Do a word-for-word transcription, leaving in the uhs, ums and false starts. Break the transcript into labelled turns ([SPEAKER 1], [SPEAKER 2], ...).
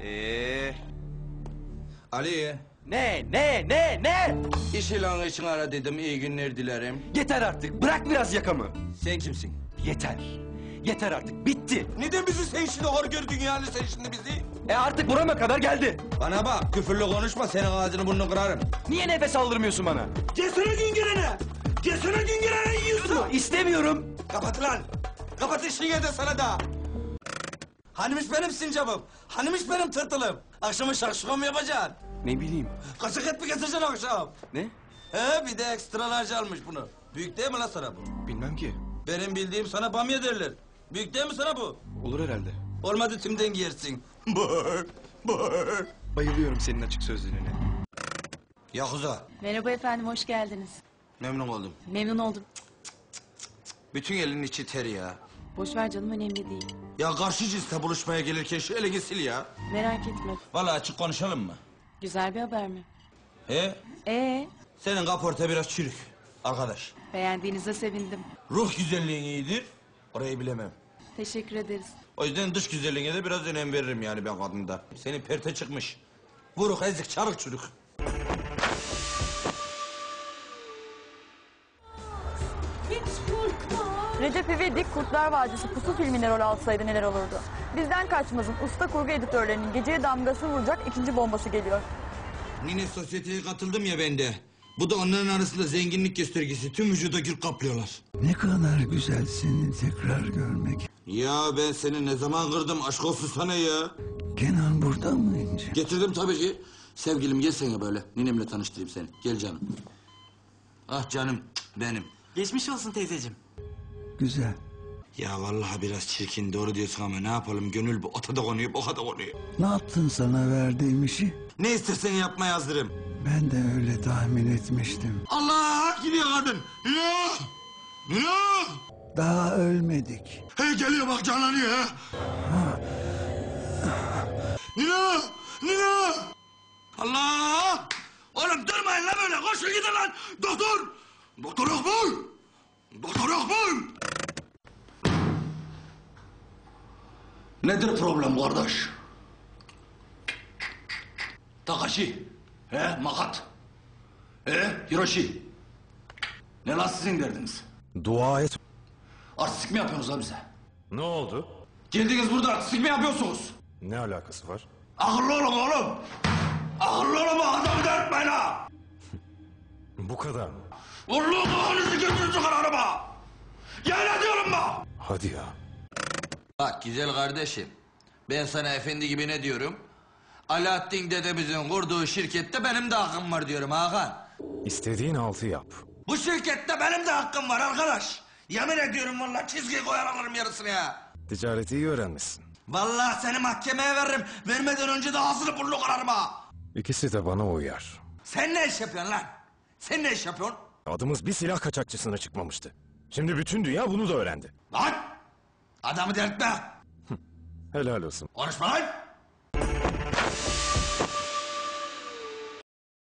[SPEAKER 1] Ee,
[SPEAKER 2] Ali,
[SPEAKER 1] ne, ne, ne, ne?
[SPEAKER 2] iş ilanı için aradıydım, iyi günler dilerim.
[SPEAKER 1] Yeter artık, bırak biraz yakamı.
[SPEAKER 2] Sen kimsin?
[SPEAKER 1] Yeter. Yeter artık, bitti.
[SPEAKER 2] Neden bizi sen şimdi hor gördün yani sen şimdi bizi?
[SPEAKER 1] E artık burama kadar geldi.
[SPEAKER 2] Bana bak, küfürlü konuşma, senin ağzını burnunu kırarım.
[SPEAKER 1] Niye nefes aldırmıyorsun bana?
[SPEAKER 2] Gelsene Güngören'e! Gelsene Güngören'e yiyorsun!
[SPEAKER 1] İstemiyorum.
[SPEAKER 2] Kapat lan! Kapat işini de sana da! Hanimiş benim sincapım, hanimiş benim tırtılım. Akşama şakşuka mı yapacaksın?
[SPEAKER 1] Ne bileyim.
[SPEAKER 2] Kaçak et mi getireceksin akşam?
[SPEAKER 1] Ne?
[SPEAKER 2] He, bir de ekstralarca almış bunu. Büyük değil mi lan sana bu?
[SPEAKER 1] Bilmem ki.
[SPEAKER 2] Benim bildiğim sana bamya derler. Büyük değil mi sana bu?
[SPEAKER 1] Olur herhalde.
[SPEAKER 2] Olmadı tümden giyersin. Bır, bır.
[SPEAKER 1] Bayılıyorum senin açık sözlülüğüne.
[SPEAKER 2] Yakuza,
[SPEAKER 3] Merhaba efendim, hoş geldiniz.
[SPEAKER 2] memnun oldum.
[SPEAKER 3] Memnun oldum.
[SPEAKER 2] Bütün elin içi ter ya.
[SPEAKER 3] Boş ver canım, önemli değil.
[SPEAKER 2] Ya karşı cinsle buluşmaya gelirken şu elini sil ya.
[SPEAKER 3] Merak etme.
[SPEAKER 2] Vallahi açık konuşalım mı?
[SPEAKER 3] Güzel bir haber mi?
[SPEAKER 2] He?
[SPEAKER 3] Ee,
[SPEAKER 2] Senin kaporta biraz çürük. Arkadaş,
[SPEAKER 3] beğendiğinize sevindim.
[SPEAKER 2] ruh güzelliğin iyidir, orayı bilemem.
[SPEAKER 3] Teşekkür ederiz.
[SPEAKER 2] O yüzden dış güzelliğine de biraz önem veririm yani ben kadında. Senin perte çıkmış. Vuruk, ezik, çarık çürük.
[SPEAKER 4] Recep İvedik Kurtlar Vadisi Pusu filminde rol alsaydı neler olurdu? Bizden kaçmazın usta kurgu editörlerinin geceye damgasını vuracak ikinci bombası geliyor.
[SPEAKER 2] Nine sosyeteye katıldım ya ben de. Bu da onların arasında zenginlik göstergesi. Tüm vücuda gül kaplıyorlar.
[SPEAKER 5] Ne kadar güzel seni tekrar görmek.
[SPEAKER 2] Ya ben seni ne zaman kırdım aşk olsun sana ya.
[SPEAKER 5] Kenan burada mı İnci?
[SPEAKER 2] Getirdim tabii ki. Sevgilim gelsene böyle. Ninemle tanıştırayım seni. Gel canım. Ah canım benim.
[SPEAKER 1] Geçmiş olsun teyzeciğim.
[SPEAKER 5] Güzel.
[SPEAKER 2] Ya vallahi biraz çirkin doğru diyorsun ama ne yapalım gönül bu ota da konuyor boka da konuyor.
[SPEAKER 5] Ne yaptın sana verdiğim işi?
[SPEAKER 2] Ne istersen yapmaya hazırım.
[SPEAKER 5] Ben de öyle tahmin etmiştim.
[SPEAKER 2] Allah gidiyor kadın. Nino! Nino!
[SPEAKER 5] Daha ölmedik.
[SPEAKER 2] Hey geliyor bak canlanıyor ha. Nino! Nino! Allah! Oğlum durmayın lan böyle koşun gidin lan. Doktor! Doktor yok mu? Doktor yok mu? Nedir problem kardeş? Takashi, he Makat, he Hiroshi. Ne lan sizin derdiniz?
[SPEAKER 6] Dua et.
[SPEAKER 2] Artistik mi yapıyorsunuz lan bize?
[SPEAKER 6] Ne oldu?
[SPEAKER 2] Geldiniz burada artistik mi yapıyorsunuz?
[SPEAKER 6] Ne alakası var?
[SPEAKER 2] Akıllı olun oğlum! Akıllı olun bu adamı dertmeyin ha!
[SPEAKER 6] Bu kadar mı?
[SPEAKER 2] Vurluğu kafanızı götürün çıkar araba! Yemin ediyorum bak!
[SPEAKER 6] Hadi ya.
[SPEAKER 2] Bak güzel kardeşim, ben sana efendi gibi ne diyorum? Alaaddin dedemizin kurduğu şirkette benim de hakkım var diyorum Hakan.
[SPEAKER 6] İstediğin altı yap.
[SPEAKER 2] Bu şirkette benim de hakkım var arkadaş. Yemin ediyorum vallahi çizgi koyar alırım yarısını ya.
[SPEAKER 6] Ticareti iyi öğrenmişsin.
[SPEAKER 2] Vallahi seni mahkemeye veririm. Vermeden önce de ağzını burnunu kırarım ha.
[SPEAKER 6] İkisi de bana uyar.
[SPEAKER 2] Sen ne iş yapıyorsun lan? Sen ne iş yapıyorsun?
[SPEAKER 6] Adımız bir silah kaçakçısına çıkmamıştı. Şimdi bütün dünya bunu da öğrendi.
[SPEAKER 2] Lan! Adamı delirtme.
[SPEAKER 6] Helal olsun.
[SPEAKER 2] Konuşma lan!